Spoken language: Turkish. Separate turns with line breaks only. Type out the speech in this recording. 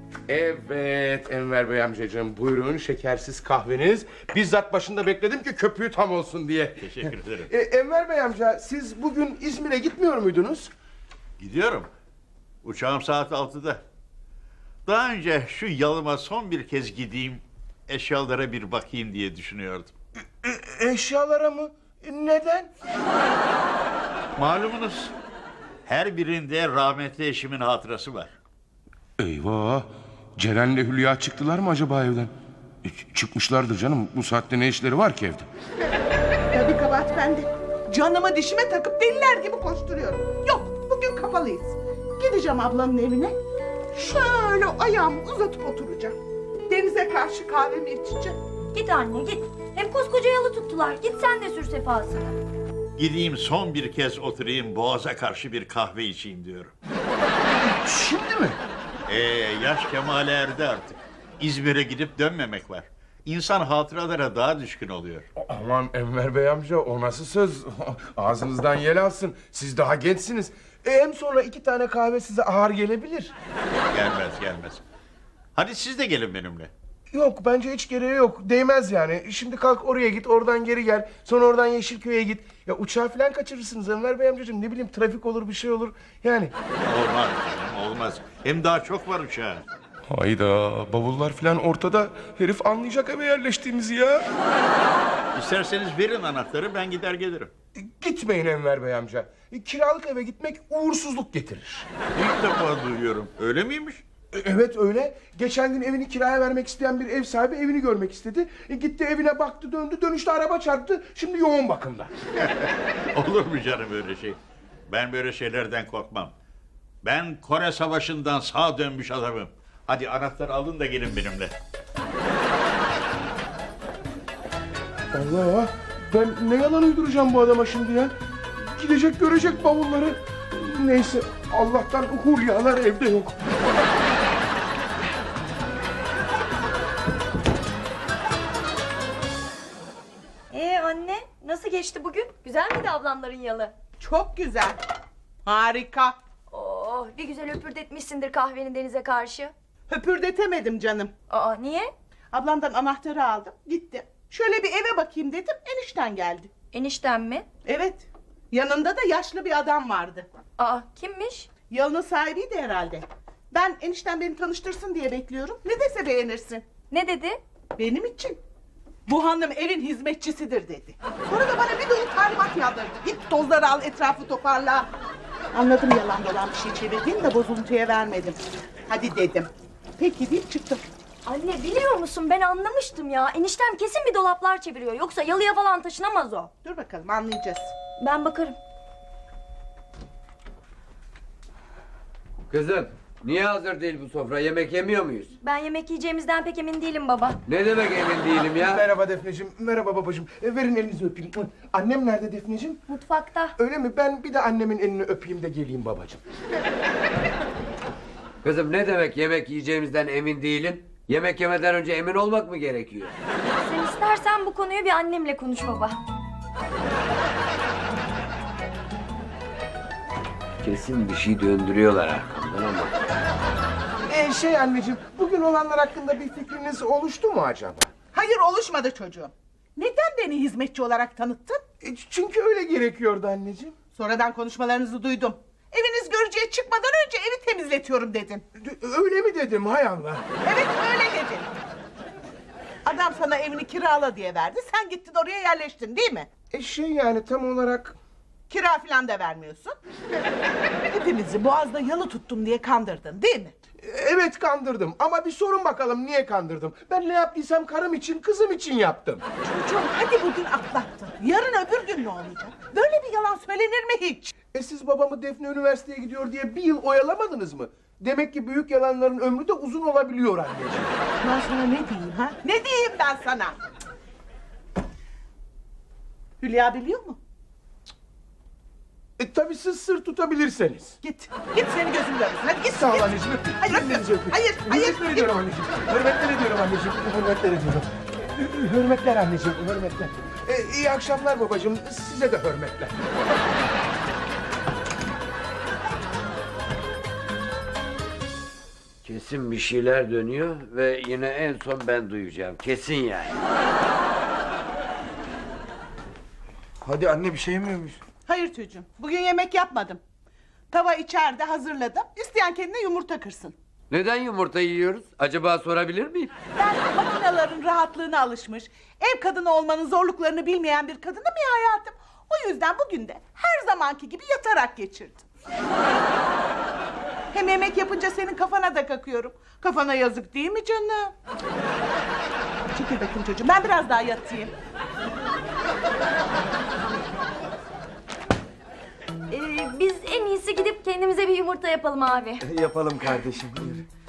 Evet Enver Bey amcacığım, buyurun şekersiz kahveniz. Bizzat başında bekledim ki köpüğü tam olsun diye.
Teşekkür ederim.
Enver Bey amca, siz bugün İzmir'e gitmiyor muydunuz?
Gidiyorum. Uçağım saat 6'da. Daha önce şu yalıma son bir kez gideyim, eşyalara bir bakayım diye düşünüyordum.
Eşyalara mı? Neden?
Malumunuz, her birinde rahmetli eşimin hatırası var.
Eyvah! Ceren'le Hülya çıktılar mı acaba evden? Çıkmışlardır canım. Bu saatte ne işleri var ki evde?
Tabii kabahat bende. Canımı dişime takıp deliler gibi koşturuyorum. Yok, bugün kapalıyız. Gideceğim ablanın evine. Şöyle ayağımı uzatıp oturacağım. Denize karşı kahvemi içeceğim.
Git anne git. Hem koskoca yalı tuttular. Git sen de sür sefasını.
Gideyim son bir kez oturayım, boğaza karşı bir kahve içeyim diyorum.
Şimdi mi?
Yaş kemale erdi artık. İzmir'e gidip dönmemek var. İnsan hatıralara daha düşkün oluyor.
Aman Enver Bey amca, o nasıl söz? Ağzınızdan yel alsın. Siz daha gençsiniz. Hem sonra 2 tane kahve size ağır gelebilir.
Gelmez. Hadi siz de gelin benimle.
Yok, bence hiç gereği yok. Değmez yani. Şimdi kalk oraya git, oradan geri gel. Sonra oradan Yeşilköy'e git. Ya uçağı falan kaçırırsınız Enver Bey amcacığım. Ne bileyim, trafik olur, bir şey olur. Yani.
Olmaz canım, olmaz. Hem daha çok var uçağa.
Hayda, bavullar falan ortada. Herif anlayacak eve yerleştiğimizi ya.
İsterseniz verin anahtarı, ben gider gelirim.
Gitmeyin Enver Bey amca. Kiralık eve gitmek uğursuzluk getirir.
İlk defa duyuyorum. Öyle miymiş?
Evet öyle. Geçen gün evini kiraya vermek isteyen bir ev sahibi evini görmek istedi. Gitti evine baktı, döndü, dönüşte araba çarptı. Şimdi yoğun bakımda.
Olur mu canım öyle şey? Ben böyle şeylerden korkmam. Ben Kore Savaşı'ndan sağ dönmüş adamım. Hadi anahtarı alın da gelin benimle.
Allah! Ben ne yalan uyduracağım bu adama şimdi ya? Gidecek, görecek bavulları. Neyse, Allah'tan Hulyalar evde yok.
Anne nasıl geçti bugün? Güzel miydi ablamların yalı?
Çok güzel. Harika.
Oh, bir güzel öpürdetmişsindir kahvenin denize karşı.
Höpürdetemedim canım.
Aa, niye?
Ablamdan anahtarı aldım, gittim. Şöyle bir eve bakayım dedim, enişten geldi.
Enişten mi?
Evet, yanında da yaşlı bir adam vardı.
Aa, kimmiş?
Yalının sahibiydi herhalde. Ben enişten beni tanıştırsın diye bekliyorum. Ne dese beğenirsin.
Ne dedi?
Benim için. Bu hanım evin hizmetçisidir dedi. Sonra da bana bir dolu talimat yağdırdı. Git tozları al, etrafı toparla. Anladım, yalan dolan bir şey çevirdiğini de bozuntuya vermedim. Hadi dedim. Peki deyip çıktım.
Anne biliyor musun, ben anlamıştım ya. Eniştem kesin bir dolaplar çeviriyor. Yoksa yalıya falan taşınamaz o.
Dur bakalım, anlayacağız.
Ben bakarım.
Kızım, niye hazır değil bu sofra? Yemek yemiyor muyuz?
Ben yemek yiyeceğimizden pek emin değilim baba.
Ne demek emin değilim ya?
Merhaba Defneciğim, merhaba babacığım. Verin elinizi öpeyim. Annem nerede Defneciğim?
Mutfakta.
Öyle mi? Ben bir de annemin elini öpeyim de geleyim babacığım.
Kızım ne demek yemek yiyeceğimizden emin değilim? Yemek yemeden önce emin olmak mı gerekiyor?
Sen istersen bu konuyu bir annemle konuş baba.
Kesin bir şey döndürüyorlar arkamdan ama.
Anneciğim, bugün olanlar hakkında bir fikriniz oluştu mu acaba?
Hayır, oluşmadı çocuğum. Neden beni hizmetçi olarak tanıttın?
Çünkü öyle gerekiyordu anneciğim.
Sonradan konuşmalarınızı duydum. Eviniz görücüye çıkmadan önce evi temizletiyorum dedin.
Öyle mi dedim, hay Allah?
Evet, öyle dedin. Adam sana evini kirala diye verdi. Sen gittin oraya yerleştin değil mi?
Yani tam olarak...
Kira falan da vermiyorsun. Hepimizi Boğaz'da yalı tuttum diye kandırdın değil mi?
Evet, kandırdım ama bir sorun bakalım niye kandırdım? Ben ne yaptıysam karım için, kızım için yaptım.
Çocuğum, hadi bugün atlattın. Yarın öbür gün ne olacak? Böyle bir yalan söylenir mi hiç?
Siz babamı Defne üniversiteye gidiyor diye bir yıl oyalamadınız mı? Demek ki büyük yalanların ömrü de uzun olabiliyor anneciğim.
Ben sana ne diyeyim ha? Ne diyeyim ben sana? Hülya biliyor mu?
Tabii siz sır tutabilirseniz.
Git. Git, seni gözüm görmesin. Hadi git.
Sağ ol
git.
anneciğim, öpeyim.
Hayır,
Ellerinizi öpeyim.
hayır, hayır.
Hürmetler ediyorum anneciğim. Hürmetler ediyorum anneciğim. Hürmetler ediyorum. Hürmetler anneciğim, hürmetler. İyi akşamlar babacığım. Size de hürmetler.
Kesin bir şeyler dönüyor ve yine en son ben duyacağım. Kesin yani.
Hadi anne bir şey yemiyor muyuz?
Hayır çocuğum, bugün yemek yapmadım. Tava içeride hazırladım. İsteyen kendine yumurta kırsın.
Neden yumurta yiyoruz? Acaba sorabilir miyim?
Ben makinelerin rahatlığına alışmış, ev kadını olmanın zorluklarını bilmeyen bir kadınım ya hayatım. O yüzden bugün de her zamanki gibi yatarak geçirdim. Hem yemek yapınca senin kafana da kakıyorum. Kafana yazık değil mi canım? Çekil bakayım çocuğum, ben biraz daha yatayım.
Biz en iyisi gidip kendimize bir yumurta yapalım abi.
Yapalım kardeşim. Buyur.